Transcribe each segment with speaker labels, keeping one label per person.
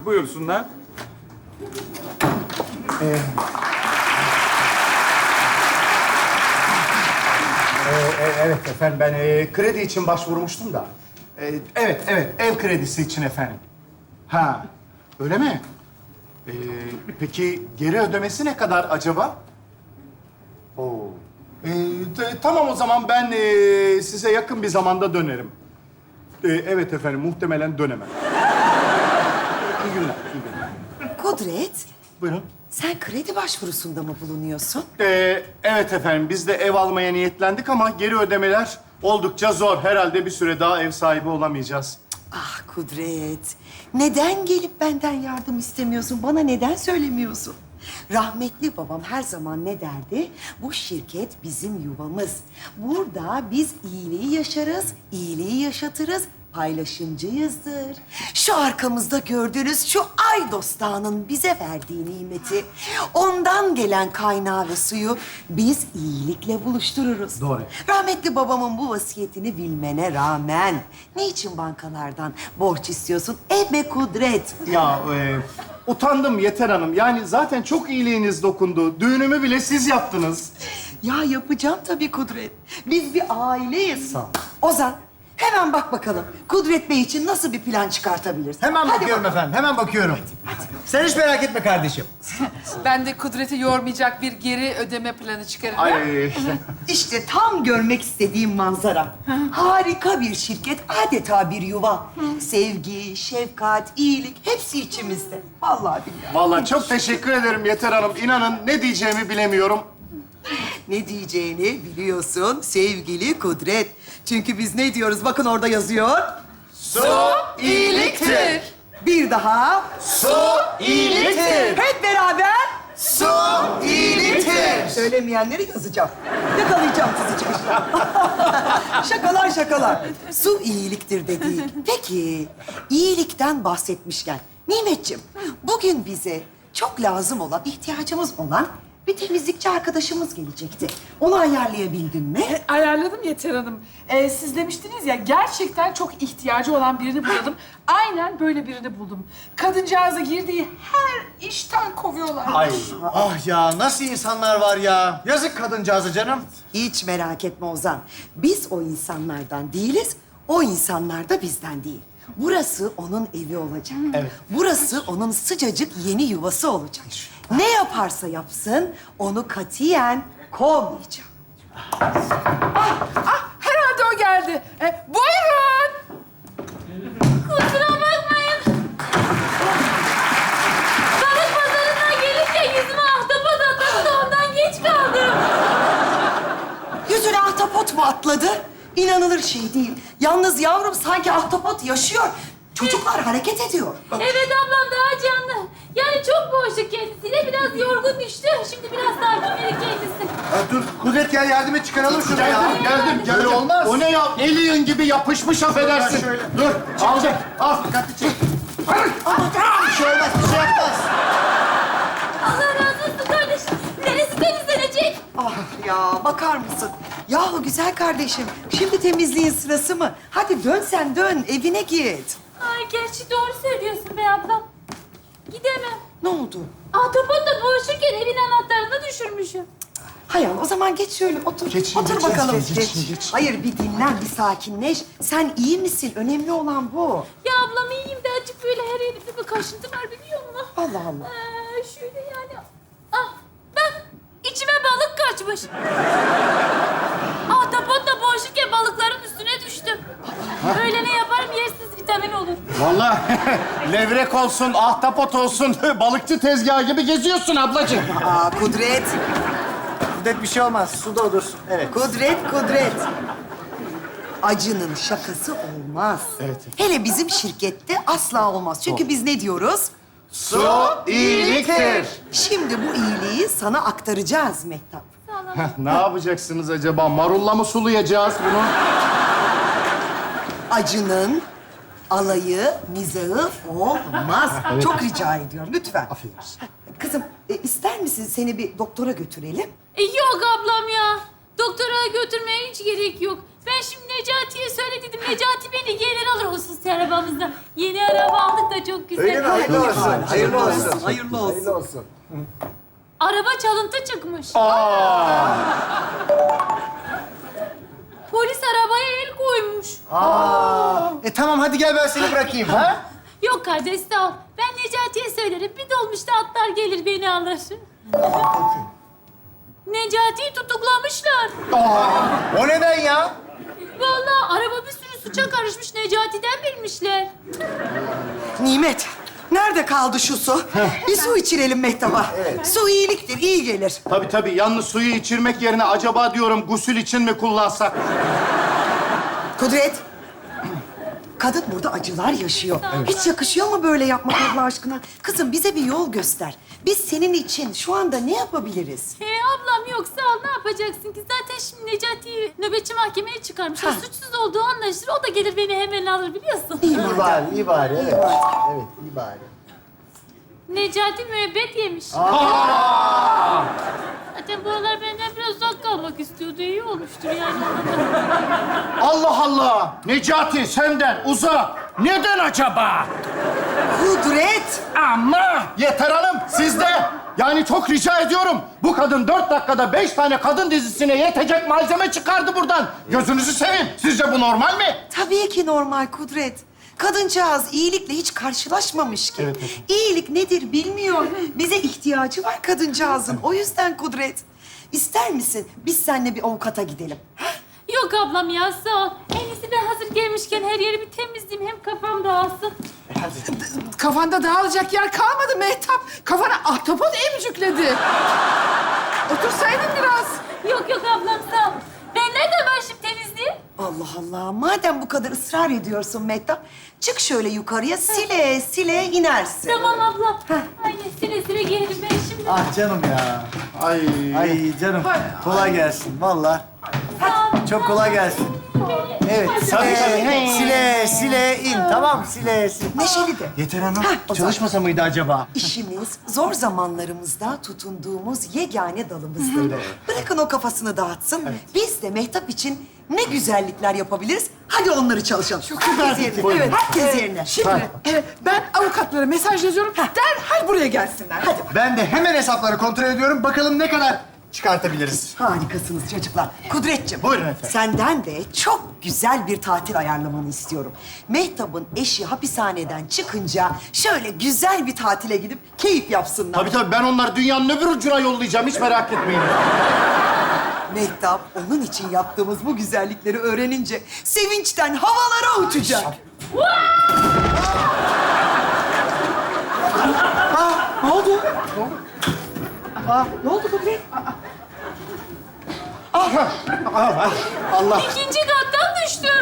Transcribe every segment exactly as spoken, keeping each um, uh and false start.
Speaker 1: Buyursunlar.
Speaker 2: Ee, e, evet efendim, ben e, kredi için başvurmuştum da. E, evet, evet, ev kredisi için efendim. Ha, öyle mi? E, peki geri ödemesi ne kadar acaba? Oo. E, t- tamam o zaman ben e, size yakın bir zamanda dönerim. E, evet efendim, muhtemelen dönemem. İyi günler, iyi günler.
Speaker 3: Kudret,
Speaker 2: Buyurun.
Speaker 3: sen kredi başvurusunda mı bulunuyorsun?
Speaker 2: Ee, evet efendim, biz de ev almaya niyetlendik ama geri ödemeler oldukça zor. Herhalde bir süre daha ev sahibi olamayacağız.
Speaker 3: Ah Kudret, neden gelip benden yardım istemiyorsun? Bana neden söylemiyorsun? Rahmetli babam her zaman ne derdi? Bu şirket bizim yuvamız. Burada biz iyiliği yaşarız, iyiliği yaşatırız, paylaşımcıyızdır. Şu arkamızda gördüğünüz şu Aydos Dağı'nın bize verdiği nimeti, ondan gelen kaynağı ve suyu biz iyilikle buluştururuz.
Speaker 2: Doğru.
Speaker 3: Rahmetli babamın bu vasiyetini bilmene rağmen niçin bankalardan borç istiyorsun? Ebe Kudret.
Speaker 2: Ya e, utandım Yeter Hanım. Yani zaten çok iyiliğiniz dokundu. Düğünümü bile siz yaptınız.
Speaker 3: Ya yapacağım tabii Kudret. Biz bir aileyiz.
Speaker 2: Sağ ol.
Speaker 3: Ozan, hemen bak bakalım Kudret Bey için nasıl bir plan çıkartabiliriz?
Speaker 4: Hemen
Speaker 3: Hadi
Speaker 4: bakıyorum
Speaker 3: bakalım.
Speaker 4: efendim, hemen bakıyorum. Sen hiç merak etme kardeşim.
Speaker 5: Ben de Kudret'i yormayacak bir geri ödeme planı çıkarırım.
Speaker 2: Ay,
Speaker 3: İşte tam görmek istediğim manzara. Harika bir şirket, adeta bir yuva. Sevgi, şefkat, iyilik hepsi içimizde. Vallahi billahi.
Speaker 2: vallahi çok teşekkür ederim Yeter Hanım. İnanın ne diyeceğimi bilemiyorum.
Speaker 3: Ne diyeceğini biliyorsun sevgili Kudret. Çünkü biz ne diyoruz? Bakın orada yazıyor.
Speaker 2: Su
Speaker 5: İyiliktir.
Speaker 3: Bir daha.
Speaker 2: Su iyiliktir.
Speaker 3: Hep beraber.
Speaker 2: Su iyiliktir.
Speaker 3: Söylemeyenleri yazacağım. Yakalayacağım sizi çıkışta. Şakalar şakalar. Su iyiliktir dedi. Peki, iyilikten bahsetmişken Nimetciğim, bugün bize çok lazım olan, ihtiyacımız olan bir temizlikçi arkadaşımız gelecekti. Onu ayarlayabildin mi?
Speaker 5: E, Ayarladım Yeter Hanım. Ee, siz demiştiniz ya, gerçekten çok ihtiyacı olan birini bulalım. Aynen böyle birini buldum. Kadıncağıza girdiği her işten kovuyorlar.
Speaker 4: Ay, ah ya nasıl insanlar var ya. Yazık kadıncağıza canım.
Speaker 3: Hiç merak etme Ozan. Biz o insanlardan değiliz, o insanlar da bizden değil. Burası onun evi olacak.
Speaker 2: Evet.
Speaker 3: Burası onun sıcacık yeni yuvası olacak. Ne yaparsa yapsın, onu katiyen kovmayacağım.
Speaker 5: Ah, herhalde o geldi. E, buyurun.
Speaker 6: Kusura bakmayın. Balık pazarından gelirken yüzüme ahtapot atladı da ondan geç kaldım.
Speaker 3: Yüzüne ahtapot mu atladı? İnanılır şey değil. Yalnız yavrum sanki ahtapot yaşıyor. Çocuklar hareket ediyor.
Speaker 6: Evet ablam daha canlı. Yani çok boğuşuk kendisiyle biraz yorgun düştü. Şimdi biraz sakin verir kendisi.
Speaker 4: Ya dur Kudret gel yardım et çıkaralım şunu ya.
Speaker 2: Geldim, geldim, geldim.
Speaker 4: Böyle olmaz.
Speaker 2: O ne ya? Alien gibi yapışmış affedersin.
Speaker 4: şöyle.
Speaker 2: Dur, aldım. Al.
Speaker 4: Dikkatli çek. Bir şey olmaz, bir şey yapmaz.
Speaker 6: Allah razı olsun kardeşim. Neresi temizlenecek?
Speaker 3: Ah ya bakar mısın? Yahu güzel kardeşim, şimdi temizliğin sırası mı? Hadi dön sen dön, evine git.
Speaker 6: Ay gerçi doğru söylüyorsun be ablam. Gidemem.
Speaker 3: Ne oldu?
Speaker 6: Ahtapotla boğuşurken evin anahtarını düşürmüşüm.
Speaker 3: Hay Allah, o zaman geç şöyle otur.
Speaker 2: Geç,
Speaker 3: otur
Speaker 2: geç,
Speaker 3: bakalım.
Speaker 2: geç, geç, geç.
Speaker 3: Hayır, bir dinlen, bir sakinleş. Sen iyi misin? Önemli olan bu.
Speaker 6: Ya ablam iyiyim de açık böyle her yerimde bir kaşıntı var biliyor musun?
Speaker 3: Allah Allah.
Speaker 6: Ee, şöyle yani. Ah bak içime balık kaçmış. Ahtapotla boğuşurken balıkların üstüne düştüm. Öyle ne yaparım yersiz vitamin olur.
Speaker 2: Vallahi levrek olsun, ahtapot olsun, balıkçı tezgahı gibi geziyorsun ablacığım.
Speaker 3: Aa, Kudret,
Speaker 4: Kudret bir şey olmaz, suda olursun. Evet.
Speaker 3: Kudret, Kudret. Acının şakası olmaz.
Speaker 2: Evet.
Speaker 3: Hele bizim şirkette asla olmaz. Çünkü biz ne diyoruz?
Speaker 2: Su iyiliktir.
Speaker 3: Şimdi bu iyiliği sana aktaracağız Mehtap.
Speaker 2: Ne yapacaksınız acaba? Marulla mı sulayacağız bunu?
Speaker 3: Acının alayı, mizahı olmaz. Çok rica ediyorum, lütfen.
Speaker 2: Affedersin.
Speaker 3: Kızım, e, ister misin seni bir doktora götürelim?
Speaker 6: E, yok ablam ya. Doktora götürmeye hiç gerek yok. Ben şimdi Necati'ye söyledim. Necati beni gelir alır hususi arabamızda. Yeni araba aldık da çok güzel.
Speaker 4: Öyle mi? Hayırlı olsun. Hayırlı olsun.
Speaker 3: Hayırlı olsun.
Speaker 4: Hayırlı olsun.
Speaker 6: Araba çalıntı çıkmış. Polis arabaya el koymuş.
Speaker 4: Aa. E tamam hadi gel ben seni bırakayım ha?
Speaker 6: Yok kardeş sağ ol. Ben Necati'ye söylerim. Bir dolmuşta atlar gelir beni alır. Necati'yi tutuklamışlar.
Speaker 4: O neden ya?
Speaker 6: Vallahi araba bir sürü suça karışmış. Necati'den bilmişler.
Speaker 3: Nimet, nerede kaldı şu su? Bir su içirelim Mehtap'a. Su iyiliktir, iyi gelir.
Speaker 2: Tabii tabii. Yalnız suyu içirmek yerine acaba diyorum gusül için mi kullansak?
Speaker 3: Kudret. Kadın burada acılar yaşıyor. Hiç yakışıyor mu böyle yapmak Allah aşkına? Kızım bize bir yol göster. Biz senin için şu anda ne yapabiliriz?
Speaker 6: He ablam yok sağ ol. Ne yapacaksın ki? Zaten şimdi Necati'yi nöbetçi mahkemeye çıkarmışlar.
Speaker 3: Ha.
Speaker 6: Suçsuz olduğu anlaşılır. O da gelir beni hemen alır biliyorsun.
Speaker 3: İyi
Speaker 4: İyi
Speaker 3: madem.
Speaker 4: bari, iyi bari. Evet. Evet, iyi bari.
Speaker 6: Necati müebbet yemiş. Zaten bu aralar benden biraz uzak kalmak istiyordu. İyi olmuştur yani.
Speaker 2: Allah Allah! Necati senden uzak. Neden acaba?
Speaker 3: Kudret.
Speaker 2: Ama yeter hanım sizde. Yani çok rica ediyorum. Bu kadın dört dakikada beş tane kadın dizisine yetecek malzeme çıkardı buradan. Gözünüzü seveyim. Sizce bu normal mi?
Speaker 3: Tabii ki normal Kudret. Kadıncağız iyilikle hiç karşılaşmamış ki.
Speaker 2: Evet, evet.
Speaker 3: İyilik nedir bilmiyor. Bize ihtiyacı var kadıncağızın. O yüzden Kudret. İster misin biz seninle bir avukata gidelim?
Speaker 6: Yok ablam ya sağ ol. En iyisi ben hazır gelmişken her yeri bir temizleyeyim. Hem kafam dağılsın.
Speaker 5: Kafanda dağılacak yer kalmadı Mehtap. Kafana ahtapot emcükledi. Otursaydın biraz.
Speaker 6: Yok yok ablam sağ ol. Ben nereden başlayıp temizleyeyim?
Speaker 3: Allah Allah. Madem bu kadar ısrar ediyorsun Mehtap, çık şöyle yukarıya sile sile inersin.
Speaker 6: Tamam ablam. Aynen sile sile gelirim ben şimdi.
Speaker 4: Ah canım ya.
Speaker 2: Ay.
Speaker 4: Ay canım. Kolay gelsin vallahi. Çok kolay gelsin. Evet, sile, sile, sile in. Tamam, sile, sile.
Speaker 3: Neşeli de.
Speaker 4: Yeter Hanım,
Speaker 3: Hah, o
Speaker 4: çalışmasa mıydı acaba?
Speaker 3: İşimiz zor zamanlarımızda tutunduğumuz yegane dalımızdır. Bırakın o kafasını dağıtsın. Biz de Mehtap için ne güzellikler yapabiliriz. Hadi onları çalışalım. Herkes yerine.
Speaker 2: Buyurun.
Speaker 3: Evet, herkes yerine.
Speaker 5: Şimdi e, ben avukatlara mesaj yazıyorum. Derhal buraya gelsinler. Hadi.
Speaker 4: Ben de hemen hesapları kontrol ediyorum. Bakalım ne kadar çıkartabiliriz.
Speaker 3: Harikasınız çocuklar. Kudretciğim.
Speaker 2: Buyurun efendim.
Speaker 3: Senden de çok güzel bir tatil ayarlamanı istiyorum. Mehtap'ın eşi hapishaneden çıkınca şöyle güzel bir tatile gidip keyif yapsınlar.
Speaker 2: Tabii tabii ben onları dünyanın öbür ucuna yollayacağım. Hiç merak etmeyin.
Speaker 3: Mehtap onun için yaptığımız bu güzellikleri öğrenince sevinçten havalara uçacak. Aa, ne oldu? Aa, ne oldu Kudret?
Speaker 2: Allah.
Speaker 6: İkinci kattan düştüm.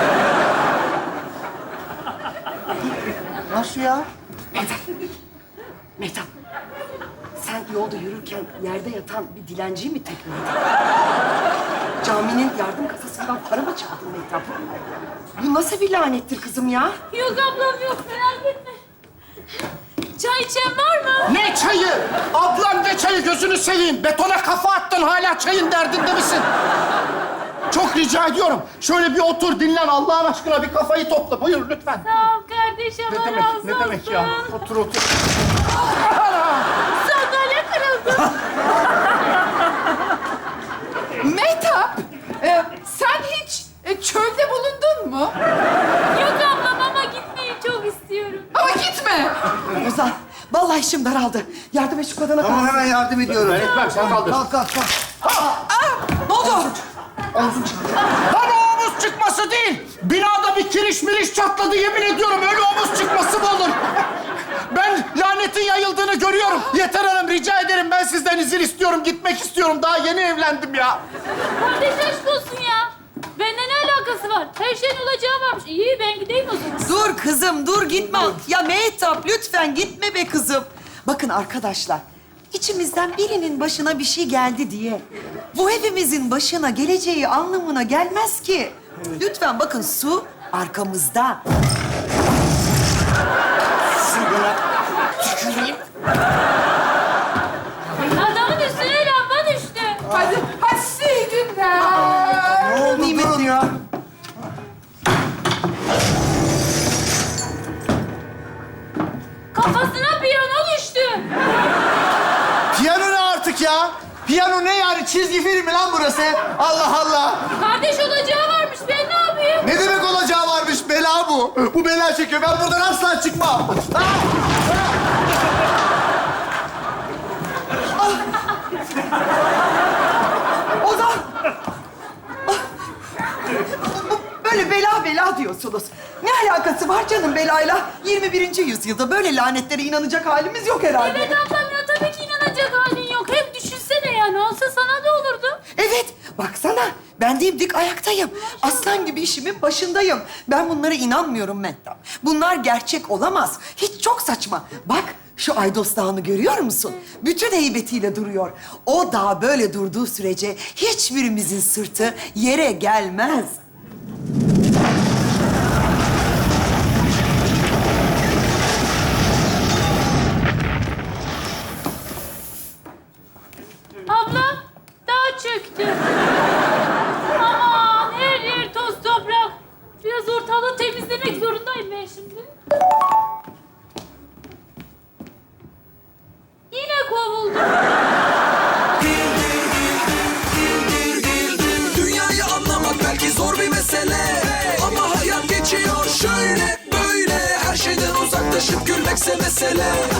Speaker 4: Nasıl ya?
Speaker 3: Mehtap, sen yolda yürürken yerde yatan bir dilenciyi mi tekmeledin? Caminin yardım kasasından para mı çaldın Mehtap? Bu nasıl bir lanettir kızım ya?
Speaker 6: Yok ablam yok merak etme. Çay içen var mı?
Speaker 2: Ne çayı? Ablam ne çayı gözünü seveyim. Betona kafa attın hala çayın derdinde misin? Çok rica ediyorum. Şöyle bir otur dinlen Allah'ın aşkına bir kafayı topla. Buyur lütfen.
Speaker 6: Sağ ol kardeşim.
Speaker 2: Ne
Speaker 6: Allah
Speaker 2: demek,
Speaker 6: razı
Speaker 2: ne demek ya?
Speaker 6: olsun.
Speaker 2: Otur otur.
Speaker 6: Sandalye kırıldı.
Speaker 5: Mehtap, e, sen hiç e, çölde bulundun mu?
Speaker 6: Yok ablam ama gitmeyi çok istiyorum.
Speaker 5: Ama gitme.
Speaker 3: Ozan, vallahi işim daraldı. Yardım et şu kadına.
Speaker 4: Tamam hemen yardım ediyorum.
Speaker 2: Ben etmem sen kaldır.
Speaker 4: Kalk kalk kalk.
Speaker 3: Ne oldu?
Speaker 2: Lan o omuz çıkması değil. Binada bir kiriş miriş çatladı yemin ediyorum. Öyle omuz çıkması mı olur? Ben lanetin yayıldığını görüyorum. Yeter hanım rica ederim. Ben sizden izin istiyorum. Gitmek istiyorum. Daha yeni evlendim ya.
Speaker 6: Kardeş aşk olsun ya. Bende ne alakası var? Her şeyin olacağı varmış. İyi ben gideyim o zaman.
Speaker 3: Dur kızım, dur gitme. Ya Mehtap lütfen gitme be kızım. Bakın arkadaşlar, içimizden birinin başına bir şey geldi diye bu hepimizin başına geleceği anlamına gelmez ki. Lütfen bakın su arkamızda.
Speaker 6: Adamın üstüne lamba düştü.
Speaker 5: Hadi, hadi size iyi günler.
Speaker 4: Ne oldu? Durun ya.
Speaker 6: Bana piyano düştü.
Speaker 4: Piyano ne artık ya? Piyano ne yani? Çizgi film mi lan burası? Allah Allah!
Speaker 6: Kardeş olacağı varmış. Ben ne yapayım?
Speaker 4: Ne demek olacağı varmış? Bela bu. Bu bela çekiyor. Ben buradan asla çıkmam. Ah!
Speaker 3: Ozan! Ah! Bu- Böyle bela bela diyorsunuz. Ne alakası var canım belayla? yirmi birinci yüzyılda böyle lanetlere inanacak halimiz yok herhalde.
Speaker 6: Evet ablam ya tabii ki inanacak halin yok. Hep düşünsene ya. Ne olsa sana da olurdu.
Speaker 3: Evet, baksana. Ben dimdik ayaktayım. Aslan gibi işimin başındayım. Ben bunlara inanmıyorum Mehtap. Bunlar gerçek olamaz. Hiç çok saçma. Bak, şu Aydos Dağı'nı görüyor musun? Bütün heybetiyle duruyor. O dağ böyle durduğu sürece hiçbirimizin sırtı yere gelmez.
Speaker 6: Ablam dağ çöktü. Aman her yer toz toprak. Biraz ortalığı temizlemek zorundayım ben şimdi. Yine kovuldum.
Speaker 1: Dünyayı anlamak belki zor bir mesele, ama hayat geçiyor şöyle böyle. Her şeyden uzaklaşıp gülmekse mesele.